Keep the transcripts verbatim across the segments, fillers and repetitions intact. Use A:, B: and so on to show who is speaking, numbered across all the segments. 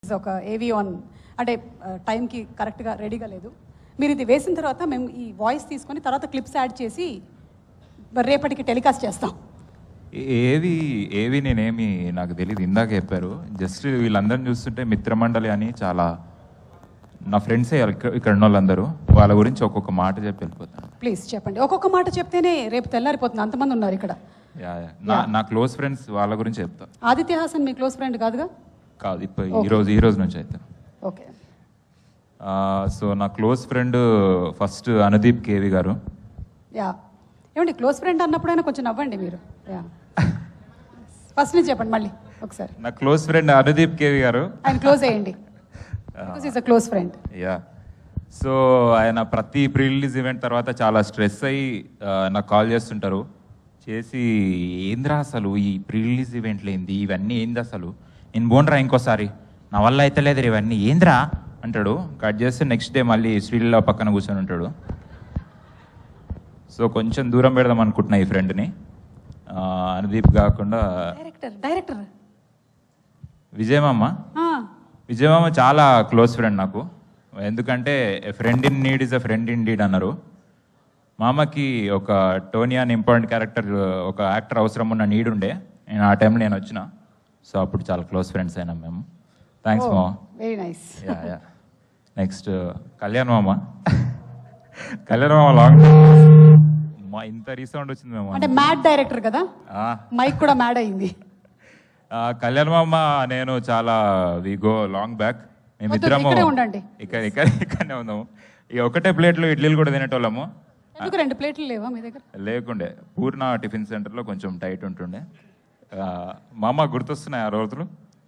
A: ఒక ఏవి ఆన్ అంటే టైంకి కరెక్ట్గా రెడీగా లేదు. మీరు ఇది వేసిన తర్వాత మేము ఈ వాయిస్ తీసుకొని తర్వాత క్లిప్స్ యాడ్ చేసి రేపటికి టెలికాస్ట్ చేస్తాం.
B: ఏవి ఏవి నేనేమి నాకు తెలియదు, ఇందాక చెప్పారు. జస్ట్ వీళ్ళందరిని చూస్తుంటే మిత్రమండలి అని చాలా నా ఫ్రెండ్సే ఇక్కడ ఉన్న వాళ్ళందరూ, వాళ్ళ గురించి ఒక్కొక్క మాట చెప్పి వెళ్ళిపోతాను.
A: ప్లీజ్ చెప్పండి. ఒక్కొక్క మాట చెప్తేనే రేపు తెల్లారిపోతుంది, అంతమంది ఉన్నారు ఇక్కడ.
B: యా యా నా నా క్లోజ్ ఫ్రెండ్స్ వాళ్ళ గురించి చెప్తా.
A: ఆదిత్య హాసన్ మీ క్లోజ్ ఫ్రెండ్ కాదుగా?
B: కాదు, ఇప్పుడు ఈరోజు ఈ రోజు నుంచి అయితే.
A: ఓకే.
B: సో నా close friend first Anudeep K V garu.
A: Yeah ఏమండి, క్లోజ్ ఫ్రెండ్ అన్నప్పుడైనా కొంచెం నవ్వండి మీరు. యా ఫస్ట్ నుంచి చెప్పండి మళ్ళీ ఒకసారి.
B: నా క్లోజ్ ఫ్రెండ్ అనుదీప్ కేవి గారు.
A: ఆయన క్లోజ్ అయ్యండి, is a close friend.
B: Yeah so ఆయన ప్రతి ప్రీ రిలీజ్ ఈవెంట్ తర్వాత చాలా స్ట్రెస్ అయ్యి నాకు కాల్ చేస్తుంటారు. చేసి ఏంద్రా అసలు ఈ ప్రీ రిలీజ్ ఈవెంట్లు ఏంది, ఇవన్నీ ఏంది అసలు, నేను బోన్రా ఇంకోసారి, నా వల్ల అయితే లేదు ఇవన్నీ ఏంద్రా అంటాడు. కట్ చేస్తే నెక్స్ట్ డే మళ్ళీ స్టీల్లో పక్కన కూర్చొని ఉంటాడు. సో కొంచెం దూరం పెడదాం అనుకుంటున్నా ఈ ఫ్రెండ్ని. అనుదీప్ కాకుండా
A: డైరెక్టర్ డైరెక్టర్
B: విజయమామ. విజయమామ చాలా క్లోజ్ ఫ్రెండ్ నాకు. ఎందుకంటే friend in need is a friend in deed అన్నారు. మామకి ఒక టోనీ అని ఇంపార్టెంట్ క్యారెక్టర్, ఒక యాక్టర్ అవసరం ఉన్న నీడ్ ఉండే. నేను ఆ టైంలో నేను వచ్చిన, సో అప్పుడు చాలా క్లోజ్ ఫ్రెండ్స్ అయినాం మేము. థ్యాంక్స్ మామ.
A: Very nice.
B: Yeah yeah next Kalyan మామ. కళ్యాణ్ మామ లాంగ్ మా ఇంత రీసౌండ్ వచ్చింది మేము.
A: అంటే మ్యాడ్ డైరెక్టర్ కదా, మైక్ కూడా మ్యాడ్ అయింది.
B: కళ్యాణ్ మామ నేను చాలా వి గో లాంగ్ బ్యాక్. మేమిద్దరము ఇక్కడ ఇక్కడ ఇక్కడనే ఉన్నాము. ఇక ఒకటే ప్లేట్లో ఇడ్లీలు కూడా తినేటోళ్ళము.
A: ఎందుకు రెండు ప్లేట్లు లేవా మీ దగ్గర?
B: లేకుండే, పూర్ణ టిఫిన్ సెంటర్లో కొంచెం టైట్ ఉంటుండే. మామ గుర్తొస్తున్నాయి ఆ రోజులు.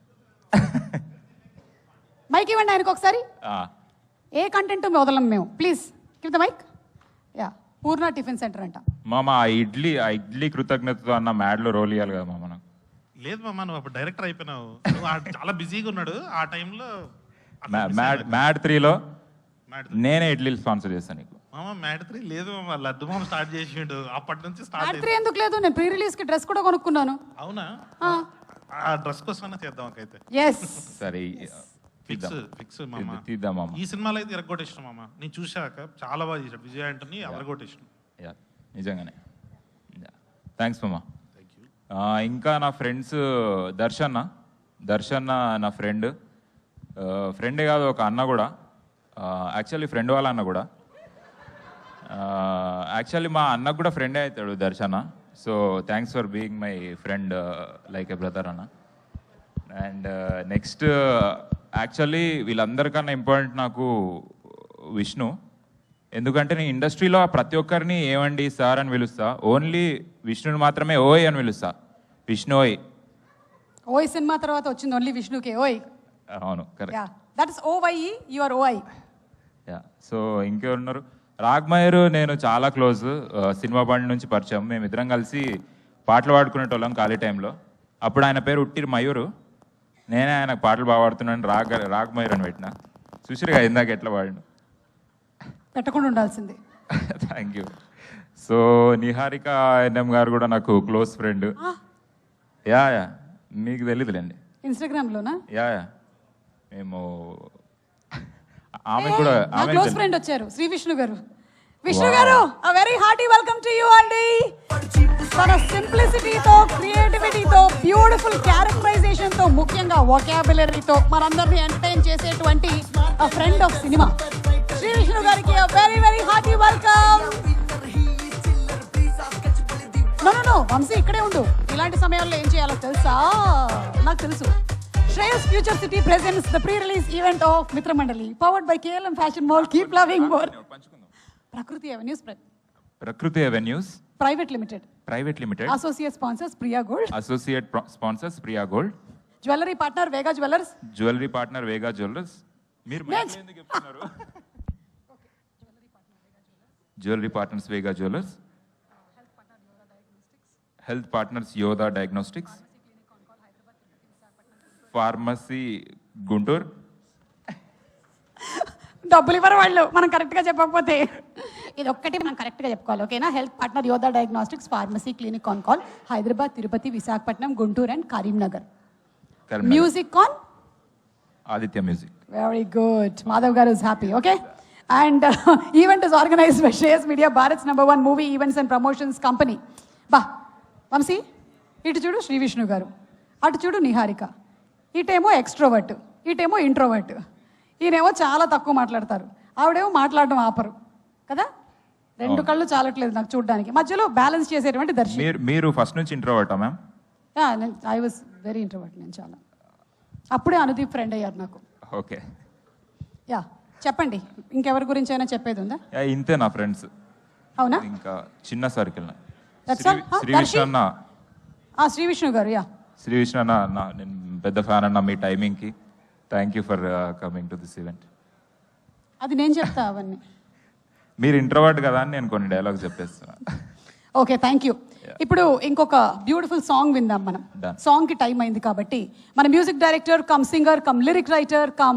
A: మైక్ ఇవ్వండి ఆయనకు ఒకసారి. ఏ కంటెంట్ వదలం మేము, please give the mike. Yeah Purna tiffin centre అంట.
B: మామ ఆ ఇడ్లీ ఆ ఇడ్లీ కృతజ్ఞతతో అన్న మ్యాడ్లో రోల్ ఇవ్వాలి కదా మామ. నాకు
C: లేదు మామ, నువ్వు అప్పుడు డైరెక్టర్ అయిపోయినావు, చాలా బిజీగా ఉన్నాడు ఆ టైంలో.
B: మ్యాడ్ మ్యాడ్ త్రీలో నేనే ఇడ్లీలు స్పాన్సర్ చేస్తాను నీకు.
C: మామ మ్యాడ్ త్రీ లేదు మామ, లడ్డు మామ స్టార్ట్ చేసిండు అప్పటి నుంచి. స్టార్ట్
A: త్రీ ఎందుకు లేదు, నేను ప్రీ రిలీజ్ కి డ్రెస్ కూడా కొనుక్కున్నాను.
C: అవునా? ఆ డ్రెస్ కోసమైనా చేద్దాం అయితే.
A: ఎస్
B: సరే
C: ఫిక్స్ ఫిక్స్ మామ,
B: తీద్దాం మామ.
C: ఈ సినిమాలో అయితే ఎరగొట్టేసిన మామ, నేను చూశాక చాలా బాగా చేశాడు విజయ్ ఆంటనీ, ఎరగొట్టేసిన.
B: యా నిజంగానే థ్యాంక్స్ మామ. ఇంకా నా ఫ్రెండ్స్ దర్శన్న. దర్శన్న నా ఫ్రెండ్, ఫ్రెండే కాదు ఒక అన్న కూడా. యాక్చువల్లీ ఫ్రెండ్ వాళ్ళ అన్న కూడా. యాక్చువల్లీ మా అన్నకు కూడా ఫ్రెండే అవుతాడు Darshana. So thanks for being my friend like a brother అన్న. అండ్ నెక్స్ట్ యాక్చువల్లీ వీళ్ళందరికన్నా ఇంపార్టెంట్ నాకు విష్ణు. ఎందుకంటే నేను ఇండస్ట్రీలో ప్రతి ఒక్కరిని ఏమండి సార్ అని పిలుస్తా, ఓన్లీ విష్ణుని మాత్రమే ఓయ్ అని పిలుస్తా. విష్ణు ఓయ్.
A: ఓయ్ సినిమా తర్వాత వచ్చింది ఓన్లీ విష్ణుకే ఓయ్.
B: అవును correct.
A: That is O Y, you are OI.
B: Yeah so ఇంకెవరున్నారు, రాగ్మయూర్ నేను చాలా క్లోజ్. సినిమా బండి నుంచి పరిచయం. మేమిద్దరం కలిసి పాటలు పాడుకునేటోళ్ళం ఖాళీ టైంలో. అప్పుడు ఆయన పేరు ఉట్టిరి మయూరు, నేనే ఆయనకు పాటలు బాగా పాడుతున్నాను రాగ్ రాగ్మయూర్ అని పెట్టిన. చూసిరుగా ఇందాక ఎట్లా పాడిన,
A: పెట్టకుండా ఉండాల్సింది.
B: Thank you. So Niharika NM garu కూడా నాకు క్లోజ్ ఫ్రెండ్. యా యా మీకు తెలీదులేండి,
A: ఇన్స్టాగ్రామ్లోనా?
B: యా యా మేము ఆమె కూడా
A: నా క్లోజ్ ఫ్రెండ్ వచ్చారు, శ్రీ విష్ణు గారు. విష్ణు గారు a very hearty welcome to you అండి. తన సింప్లిసిటీతో, క్రియేటివిటీతో, బ్యూటిఫుల్ క్యారెక్టరైజేషన్ తో, ముఖ్యంగా వొకాబులరీతో మనందరినీ ఎంటర్టైన్ చేసేటువంటి a friend of cinema Shri Vishnu గారికి a very very hearty welcome. No no no Vamshi ఇక్కడే ఉండు, ఇలాంటి సమయాల్లో ఏం చేయాలో తెలుసా? నాకు తెలుసు. Shreyas Future City presents the pre-release event of Mitra Mandali, powered by K L M Fashion Mall. Keep loving more. Prakriti Avenues.
B: Prakriti Avenues
A: Private Limited.
B: Private Limited.
A: Associate sponsors Priya Gold.
B: Associate pro- sponsors Priya Gold.
A: Jewelry partner Vega Jewelers.
B: Jewelry partner Vega Jewelers. మీరు
A: Next.
B: ఎందుకు చెప్తున్నారు? Jewelry partners Vega Jewelers. Health partners Yoda Diagnostics. Pharmacy Guntur.
A: డబ్బులు ఇవ్వరు వాళ్ళు మనం కరెక్ట్గా చెప్పకపోతే. ఇది ఒక్కటి మనం కరెక్ట్గా చెప్పుకోవాలి, ఓకేనా? Health partner Yodha diagnostics, pharmacy clinic on call, Hyderabad, Tirupati, Visakhapatnam, Guntur and Karimnagar. Music on
B: Aditya music.
A: Very good. Madhav garu is happy. Okay. And event is organised by Shreyas media, Bharat's number one movie events and promotions company. బా వంశీ, ఇటు చూడు శ్రీ విష్ణు గారు, అటు చూడు నిహారిక. ఇటేమో ఎక్స్ట్రోవర్ట్, ఇటేమో ఇంట్రోవర్ట్. ఈయనేమో చాలా తక్కువ మాట్లాడతారు, ఆవిడేమో మాట్లాడడం ఆపరు కదా. రెండు కళ్ళు చాలట్లేదు నాకు చూడడానికి. మధ్యలో బ్యాలెన్స్ చేసేటువంటి దర్శనం.
B: మీరు మీరు ఫస్ట్ నుంచి ఇంట్రోవర్టా ma'am?
A: I was very introvert నేను చాలా. అప్పుడే అనుదీప్ ఫ్రెండ్ అయ్యారు నాకు.
B: ఓకే.
A: యా చెప్పండి, ఇంకెవరి గురించి అయినా చెప్పేది ఉందా?
B: ఇంతే నా ఫ్రెండ్స్.
A: అవునా?
B: ఇంకా చిన్న circle.
A: That's all? Huh?
B: Shri Vishnu అన్న,
A: ఆ శ్రీ విష్ణు గారు. యా
B: శ్రీ విష్ణు అన్న, నా నేను పెద్ద ఫ్యాన్ అన్న మీ టైమింగ్కి. Thank you for coming to this event.
A: అది నేను చెప్తా అవన్నీ.
B: మీరు ఇంట్రోవర్ట్ కదా అని నేను కొన్ని డైలాగ్స్ చెప్పేస్తున్నా.
A: Okay, thank you. ఇప్పుడు ఇంకొక బ్యూటిఫుల్ సాంగ్ విందాం మనం.
B: Done.
A: సాంగ్ కి టైం అయింది కాబట్టి మన music director cum singer cum lyric writer come